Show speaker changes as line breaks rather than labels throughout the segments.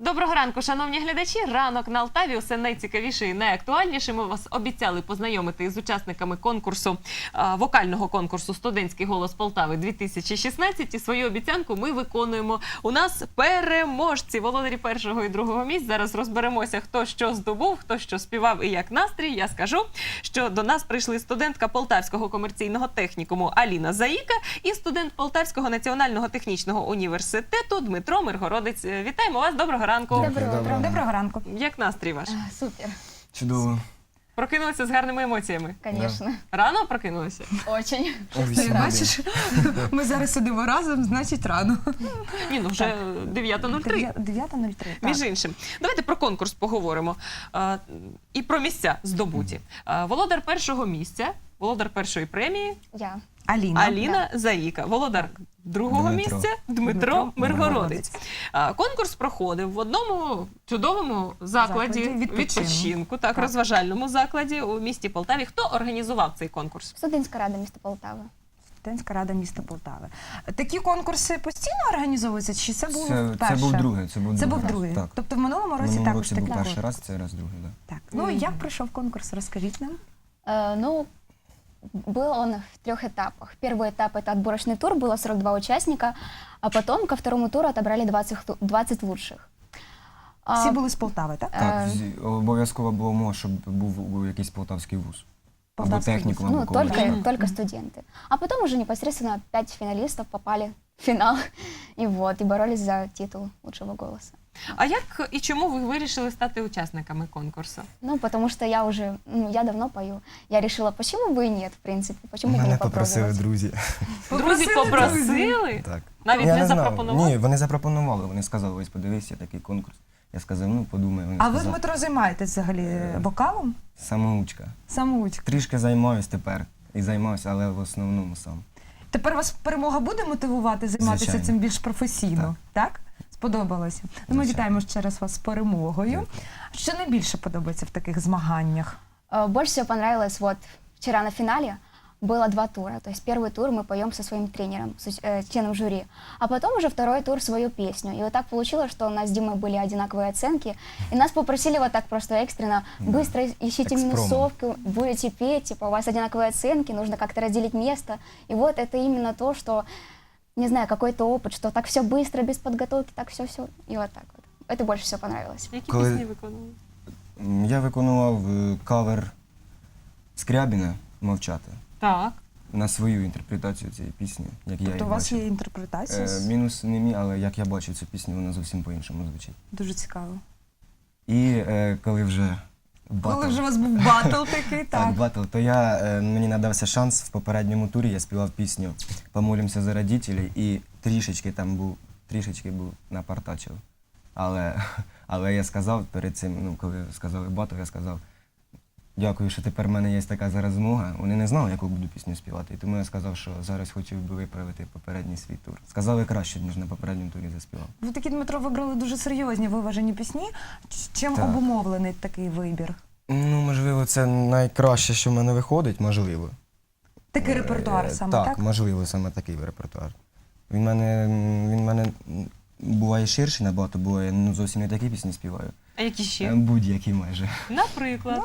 Доброго ранку, шановні глядачі. Ранок на Алтаві. Усе найцікавіше і найактуальніше. Ми вас обіцяли познайомити з учасниками конкурсу, вокального конкурсу «Студентський голос Полтави-2016». І свою обіцянку ми виконуємо. У нас переможці, володарі першого і другого місць. Зараз розберемося, хто що здобув, хто що співав і як настрій. Я скажу, що до нас прийшли студентка Полтавського комерційного технікуму Аліна Заїка і студент Полтавського національного технічного університету Дмитро Миргородець. Вітаємо вас, доброго ранку.
Доброго ранку.
Як настрій ваш?
Супер,
Чудово.
Прокинулися з гарними емоціями?
конечно.
Рано прокинулися?
Очень.
Бачиш, ми зараз сидимо разом, значить рано.
Ні, ну вже 9:03.
9:03.
Між іншим. Давайте про конкурс поговоримо. І про місця здобуті. Володар першого місця, володар першої премії
Я.
Аліна Заїка. Володар другого
Дмитро.
місця Дмитро Миргородець. Конкурс проходив в одному чудовому закладі відпочинку, так, розважальному закладі у місті Полтаві. Хто організував цей конкурс?
Студентська рада міста Полтави.
Студентська рада міста Полтави. Такі конкурси постійно організовуються, чи це був вперше?
Це був другий.
Це був другий.
Так.
Тобто в минулому році
Минулого
також
році
такі
був перший
були?
раз, це раз другий, так.
Так. Ну, як пройшов конкурс, розкажіть нам.
Ну, был он в 3 этапах. Первый этап – это отборочный тур, было 42 участника, а потом ко второму туру отобрали 20 лучших.
Всі були з Полтави, так?
Так, обов'язково було умова, щоб був якийсь полтавський вуз. Або
Полтавський
технікум,
Ну,
або коледж.
только студенты. А потом уже непосредственно 5 финалистов попали в финал и боролись за титул лучшего голоса.
А як і чому ви вирішили стати учасниками конкурсу?
Ну, потому что я давно пою. Я решила, почему бы и нет, в принципе, почему бы
Мене
не
попросили
попробовать.
друзі.
Друзі попросили?
Так.
Навіть
Я
не
знав.
запропонували?
Ні, вони запропонували. Вони сказали, ось подивися, такий конкурс. Я сказав, ну подумай. Вони
А ви,
сказали,
Дмитро, займаєтесь взагалі вокалом?
самоучка.
Самоучка.
Трішки займаюсь тепер. І займаюся, але в основному сам.
Тепер вас перемога буде мотивувати займатися
Звичайно.
цим більш професійно, так? Сподобалося? Ну, ми
Звичайно.
вітаємо ще раз вас з перемогою.
Дякую.
Що найбільше подобається в таких змаганнях?
Больше всего понравилось, вчера на финале было 2 тура. То есть первый тур мы поем со своим тренером, членом жюри, а потом уже второй тур свою песню. И вот так получилось, что у нас с Димой были одинаковые оценки, и нас попросили вот так просто экстренно, быстро ищите
Экспромт.
минусовку, будете петь, типа у вас одинаковые оценки, нужно как-то разделить место. И вот это именно то, что, не знаю, какой-то опыт, что так все быстро, без подготовки, так все-все, и вот так вот. Это больше всего понравилось.
Які
Коли-
пісні виконували?
Я виконував кавер Скрябіна «Мовчати»
Так.
на свою інтерпретацію цієї пісні, як я її
Тобто у вас
бачив.
є інтерпретація?
Мінус не мій, але як я бачив цю пісню, вона зовсім по-іншому звучить.
Дуже цікаво.
І коли вже батл,
Коли вже у вас був батл такий,
так,
так.
батл, то мені надався шанс в попередньому турі, я співав пісню «Помолимся за родителей» і трішечки був напартачив. Але я сказав перед цим, ну, коли сказали батл, я сказав, дякую, що тепер в мене є така зараз змога. Вони не знали, яку буду пісню співати, і тому я сказав, що зараз хотів би виправити попередній свій тур. Сказали краще, ніж на попередньому турі заспівав.
Ви такі, Дмитро, вибрали дуже серйозні, виважені пісні. Чим
Так.
обумовлений такий вибір?
Ну, можливо, це найкраще, що в мене виходить, можливо.
Такий репертуар саме,
так?
так?
Можливо, саме такий репертуар. Він в мене буває ширший набагато, буває, зовсім не такі пісні співаю.
А які ще?
Будь-які майже.
Наприклад.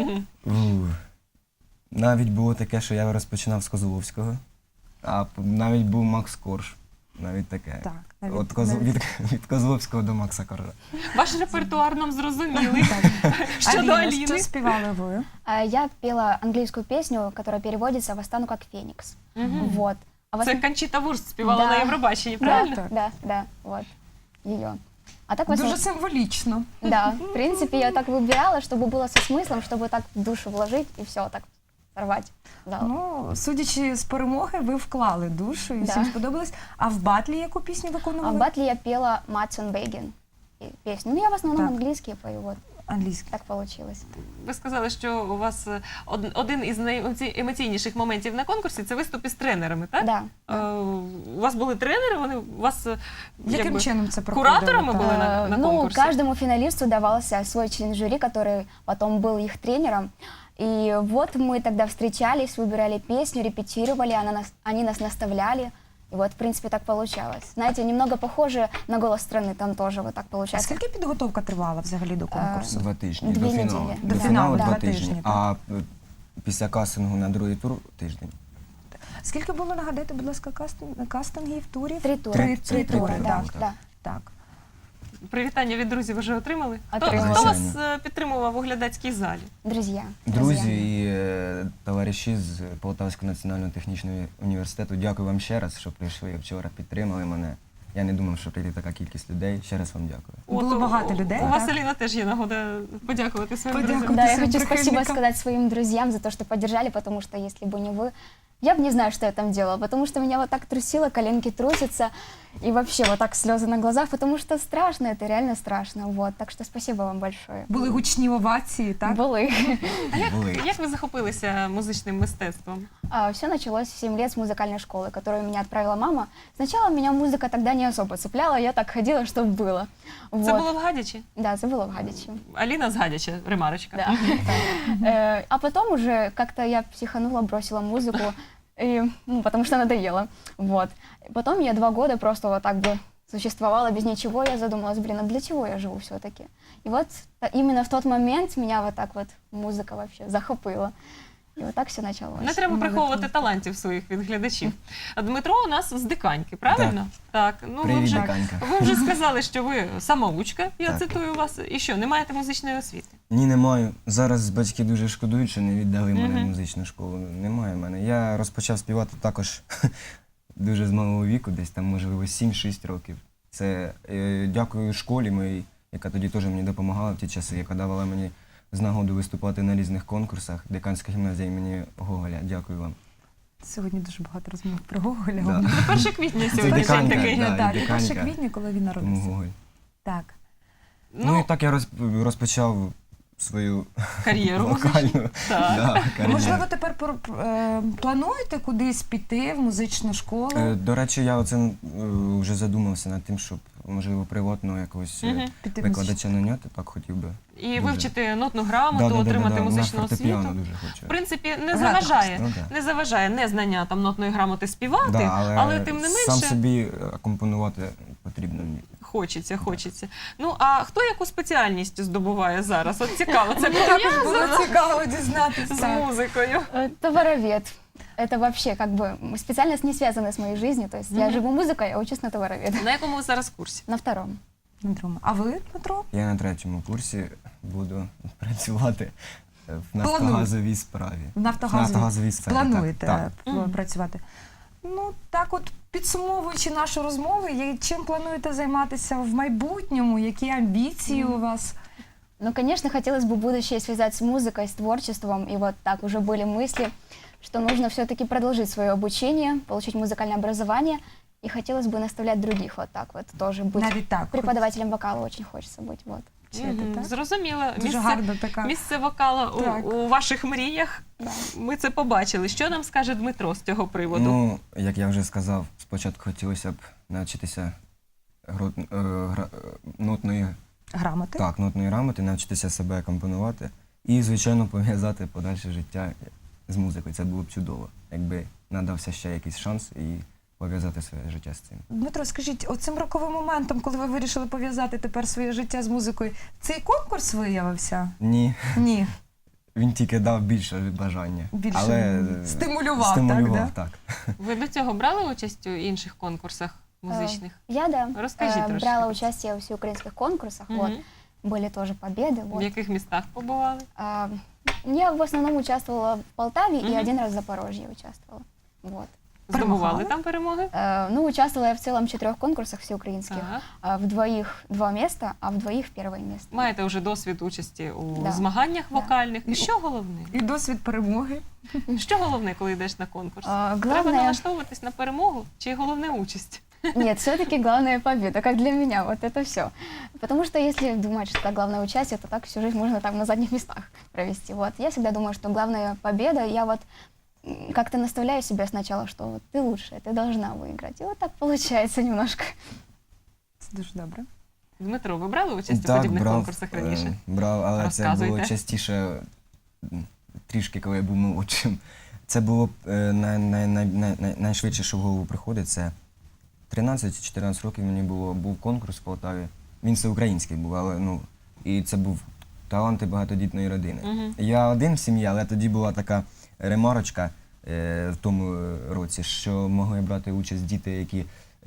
Навіть було таке, що я розпочинав з Козловського, а навіть був Макс Корж. Навіть таке.
Так,
От від Козловського до Макса Коржа.
Ваш репертуар нам зрозумілий. Щодо
Аліна,
Аліни.
що співали ви?
Я пела английскую песню, которая переводится «Восстану как феникс». Вот. А
Це Кончіта Вурст співала на Євробаченні, правильно?
Да, вот, ее. А так в
Дуже
основном,
символічно.
да, в принципе, я так выбирала, чтобы было со смыслом, чтобы так в душу вложить и все, так сорвать зал.
Ну, судячи з перемоги, ви вклали душу і
Да.
всім сподобалось. А в батлі яку пісню
А
виконували?
в батле я пела «Матсон Бейген» песню. Ну, я в основном
Так.
английские пою, вот,
Англійська.
так получилось.
Ви сказали, що у вас один із найемоційніших моментів на конкурсі – це виступ із тренерами, так?
Да.
У вас були тренери, вони у вас
Яким чином це проходило?
кураторами були на
Ну,
конкурсі?
каждому финалисту давался свой член жюри, который потом был их тренером. И вот мы тогда встречались, выбирали песню, репетировали, они нас наставляли. И вот, в принципе, так получалось. Знаете, немного похоже на «Голос страны», там тоже вот так
А
получается.
скільки підготовка тривала взагалі до конкурсу?
2 тижні.
Дві
До фіналу.
неділі.
До
Да.
фіналу
Да.
2
2 тижні,
тижні.
так.
А після кастингу на другий тур тиждень.
Скільки було, нагадайте, будь ласка, кастингів, турів?
3 тура.
Три тури,
да,
так.
да.
Так.
Привітання від друзів вже отримали?
Отримали.
Хто вас
Звичайно.
підтримував у глядацькій залі?
Друзья.
Друзі і товариші з Полтавського національного технічного університету, дякую вам ще раз, що прийшли вчора, підтримали мене. Я не думав, що прийде така кількість людей. Ще раз вам дякую.
Було багато людей,
У вас,
так?
Аліна, теж є нагода подякувати своїм
Подякувати.
друзям.
Да, я
всем
хочу спасибо
прихильникам.
сказать своим друзьям за то, что поддержали, потому что если бы не вы, я бы не знаю, что я там делала, потому что меня вот так трусило, коленки трусятся, и вообще вот так слезы на глазах, потому что страшно, это реально страшно, вот. Так что спасибо вам большое.
Були гучні овації, так?
Были.
Були.
Як ви захопилися музичним мистецтвом?
Все началось в 7 лет с музыкальной школы, которую меня отправила мама. Сначала меня музыка тогда не особо цепляла, я так ходила, чтобы было.
Це
Вот.
було в Гадячі?
Да, это было в Гадичи.
Аліна з Гадяча, ремарочка.
Да. А потом уже как-то я психанула, бросила музыку, потому что надоело. Вот. Потом я 2 года просто вот так бы существовала без ничего. Я задумалась, блин, а для чего я живу все-таки? И вот именно в тот момент меня вот так вот музыка вообще захопила. І отак все почалося.
Не треба приховувати талантів своїх від глядачів. А Дмитро у нас з Диканьки, правильно? Так. Ну, ви
Привіт,
вже,
Диканька.
ви вже сказали, що ви самоучка, я
Так.
цитую вас. І що, не маєте музичної освіти?
Ні, не маю. Зараз батьки дуже шкодують, що не віддали мене в
Мгм.
музичну школу. Немає в мене. Я розпочав співати також дуже з малого віку, десь там, можливо, 7-6 років. Це дякую школі моїй, яка тоді теж мені допомагала в ті часи, яка давала мені з нагоду виступати на різних конкурсах. Диканська гімназія імені Гоголя. Дякую вам.
Сьогодні дуже багато розмов про Гоголя.
Да.
1 квітня
Це
сьогодні день
Диканька,
такий.
да.
Так,
і
1
Диканька.
квітня, коли він
Тому
народився.
Гоголь.
Так.
Ну і так я розпочав свою
кар'єру
вокальну
Так.
кар'єру.
Можливо, тепер плануєте кудись піти в музичну школу?
До речі, я оце вже задумався над тим, щоб, можливо, приватного якогось
Мгм.
Піти в
викладача наняти, так хотів би.
І
Дуже.
вивчити нотну грамоту, отримати музичну
на
освіту.
фортепіано дуже хочу.
В принципі, не
Грати
заважає.
Ну, да.
Не заважає незнання там нотної грамоти співати,
Да,
але тим не
сам
менше
собі акомпонувати потрібно.
хочеться. Ну, а хто яку спеціальність здобуває зараз? От цікаво, це
Мені також було
пов'язано
цікаво дізнатися.
з
Так.
музикою.
Товаровед. Это вообще как бы специальность не связана с моей жизнью. То есть я
Мгм.
живу музыкой, я учусь на товаровед.
На якому ви зараз курсі?
На 2-м.
Дмитро, а ви, Дмитро?
Я на 3-му курсі буду працювати в
Планую.
нафтогазовій справі.
В нафтогазовій
сфері.
плануєте
Так.
Мгм.
працювати? Ну, так от, підсумовуючи нашу розмову, чим плануєте займатися в майбутньому? Які амбіції у вас?
Ну, конечно, хотелось бы будущее связать с музыкой, с творчеством. И вот так уже были мысли, что нужно все-таки продолжить свое обучение, получить музыкальное образование. И хотелось бы наставлять других вот так вот тоже быть.
Навіть так.
Преподавателем вокала очень хочется быть. Вот.
Вчити,
Мгм,
так?
Зрозуміло.
Дуже гарна така.
Місце вокала
Так.
у ваших мріях.
Да.
Ми це побачили. Що нам скаже Дмитро з цього приводу?
Ну, як я вже сказав, спочатку хотілося б навчитися нотної
Грамоти?
Так, нотної грамоти, навчитися себе компонувати і, звичайно, пов'язати подальше життя з музикою. Це було б чудово, якби надався ще якийсь шанс і пов'язати своє життя з цим.
Дмитро, скажіть, оцим роковим моментом, коли ви вирішили пов'язати тепер своє життя з музикою, цей конкурс виявився?
Ні,
Ні.
він тільки дав більше бажання.
Більше
але
стимулював,
стимулював,
так,
так.
Ви до цього брали участь у інших конкурсах музичних?
Я, да,
Расскажи трошки.
брала участие в всеукраинских конкурсах.
Мгм.
Вот. Были тоже победы.
В
Вот.
яких містах побували?
Я в основном участвовала в Полтаве
Мгм.
и 1 раз в Запорожье участвовала. Вот.
Здобували
Перемагали?
там перемоги?
Ну, участвовала я в целом в 4 конкурсах всеукраинских.
Так.
В 2 2 места, а в 2 первое место.
Маєте вже досвід участі у
Да.
змаганнях
Да.
вокальних. І що головне?
І досвід перемоги.
Що головне, коли йдеш на конкурс? Треба
Главное,
налаштовуватись на перемогу чи головне участь?
нет, все-таки главная победа, как для меня, вот это все. Потому что если думать, что это главное участие, то так всю жизнь можно там на задних местах провести. Вот. Я всегда думаю, что главная победа, я вот как-то наставляю себя сначала, что вот ты лучшая, ты должна выиграть. И вот так получается немножко.
Це дуже добре.
Дмитро, ви брали участь у
Так,
подібних
брав,
конкурсах раніше?
брав, але це було
Розказуйте.
частіше, трішки, коли я був молодшим. Це було найшвидше, що в голову приходить. Це 13-14 років мені було, був конкурс в Полтаві. Він всеукраїнський був, але і це був таланти багатодітної родини.
Мгм.
Я один в сім'ї, але тоді була така ремарочка в тому році, що могли брати участь діти, які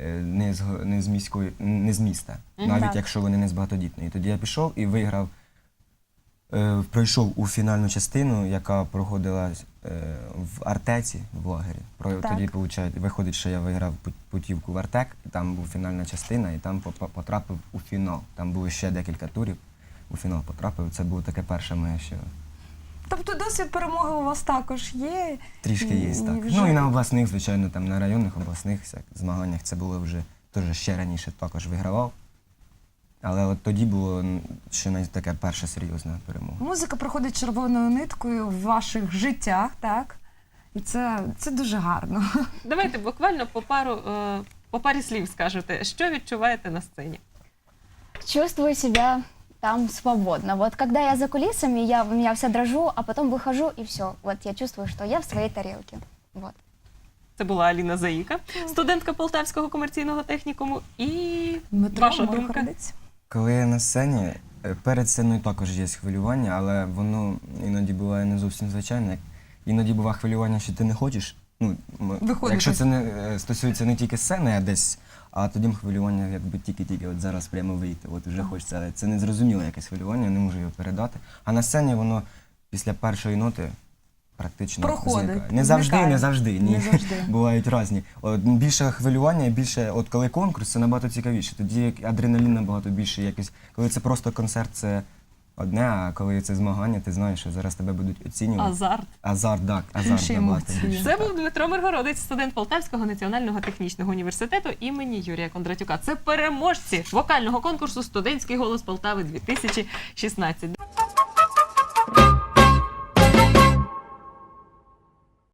не з міста, навіть
Так.
якщо вони не з багатодітної. Тоді я пішов і виграв, пройшов у фінальну частину, яка проходила в Артеці, в лагері.
Так.
Тоді виходить, що я виграв путівку в Артек, і там була фінальна частина, і там потрапив у фінал. Там було ще декілька турів, у фінал потрапив. Це було таке перше моє, що
Тобто досвід перемоги у вас також є?
трішки є, так.
Вже-
Ну і на обласних, звичайно, там на районних обласних змаганнях це було вже теж ще раніше також вигравав. Але от тоді було ще таке перша серйозна перемога.
Музика проходить червоною ниткою в ваших життях, так? І це дуже гарно.
Давайте буквально по парі слів скажете, що відчуваєте на сцені.
Чувствую себя там свободно. Вот когда я за кулисами, у меня вся дрожу, а потом выхожу, и все. Вот я чувствую, что я в своей тарелке. Вот.
Це була Аліна Заїка, студентка Полтавського комерційного технікуму. І
Дмитро
ваша думка?
Миргородець.
Коли я на сцені, перед сценою також є хвилювання, але воно іноді буває не зовсім звичайне. Іноді буває хвилювання, що ти не хочеш.
Виходити.
Якщо це не стосується не тільки сцени, а десь, а тоді хвилювання якби тільки-тільки от зараз прямо вийти. От вже хочеться, але це незрозуміле якесь хвилювання, я не можу його передати. А на сцені воно після першої ноти практично
Проходить,
зникає. Не завжди,
зникає.
не завжди. Ні.
Не завжди.
Бувають різні. От, більше хвилювання, і більше, от коли конкурс, це набагато цікавіше. Тоді як адреналін набагато більше якось. Коли це просто концерт, це одне, а коли це змагання, ти знаєш, що зараз тебе будуть оцінювати.
Азарт.
Азарт, так, азарт
Інші
набагато
емоції.
більше.
Це
так.
був Дмитро Миргородець, студент Полтавського національного технічного університету імені Юрія Кондратюка. Це переможці вокального конкурсу «Студентський голос Полтави 2016».